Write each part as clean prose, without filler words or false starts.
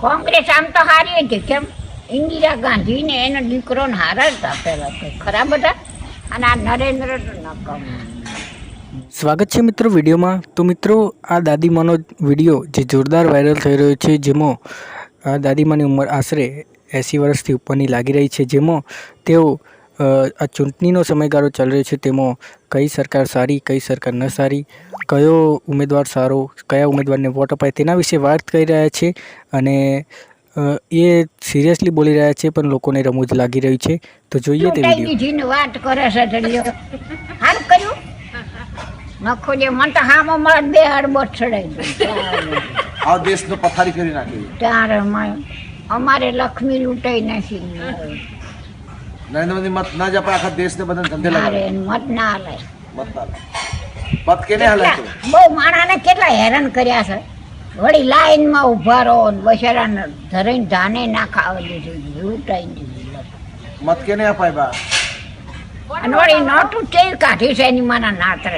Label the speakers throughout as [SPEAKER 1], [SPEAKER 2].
[SPEAKER 1] કોંગ્રેસ આમ તો હારી હતી, કેમ ઇન્દિરા ગાંધી ને એનો દીકરો ને હારા જ હતા પેલા તો ખરાબ હતા, અને આ નરેન્દ્ર તો નકામ.
[SPEAKER 2] સ્વાગત છે મિત્રો વિડીયોમાં. તો મિત્રો આ દાદીમાનો વિડીયો જે જોરદાર વાયરલ થઈ રહ્યો છે, જેમાં આ દાદીમાની ઉંમર આશરે 80 વર્ષથી ઉપરની લાગી રહી છે, જેમાં તેઓ આ ચૂંટણીનો સમયગાળો ચાલી રહ્યો છે, તેમાં કઈ સરકાર સારી કઈ સરકાર ન સારી, કયો ઉમેદવાર સારો, કયા ઉમેદવારને વોટ અપાય તેના વિશે વાત કરી રહ્યા છે. અને એ સિરિયસલી બોલી રહ્યા છે, પણ લોકોને રમૂજ લાગી રહ્યું છે. તો જોઈએ તે વિડીયો.
[SPEAKER 1] વાત કરે છે સારું કર્યું નખો જે મને તો હામો મળે બે હડબોટ ચડાવી
[SPEAKER 3] આ દેશનો પથારી કરી નાખી.
[SPEAKER 1] ત્યારે અમારે લક્ષ્મી લૂંટાઈ નાખી.
[SPEAKER 3] નરેન્દ્ર મોદી મત ના જ આપણે આખા દેશને બધાને ધંધે
[SPEAKER 1] મારે
[SPEAKER 3] લગાડે.
[SPEAKER 1] મત ના હલાય.
[SPEAKER 3] મત કેને હલાય તો?
[SPEAKER 1] બહુ માણાને કેટલા હેરાન કર્યા છે. વળી લાઈનમાં ઉભા રહો ને બચારાને ધરાઈને ધાને ના ખાવા દીધું, લૂંટાઈ દીધું.
[SPEAKER 3] મત કેને અપાય બા?
[SPEAKER 1] અને વળી નોટું તેલ કાઢી છે એની માના નાતરે.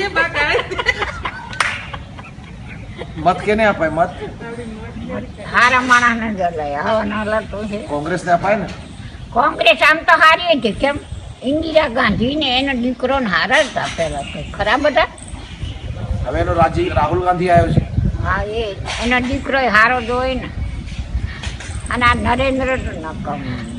[SPEAKER 3] મત કેને અપાય? મત
[SPEAKER 1] હારા માણસને જ હલાય. હવે ન હલાતું છે.
[SPEAKER 3] કોંગ્રેસને અપાય ને.
[SPEAKER 1] કોંગ્રેસ આમ તો હારી હતી, કેમ ઇન્દિરા ગાંધી ને એનો દીકરો ને હારા જ હતા પેલા તો ખરાબ હતા.
[SPEAKER 3] હવે એનો રાહુલ ગાંધી આવ્યો છે.
[SPEAKER 1] હા, એનો દીકરો હારો જ હોય ને, અને આ નરેન્દ્ર તો નકામ.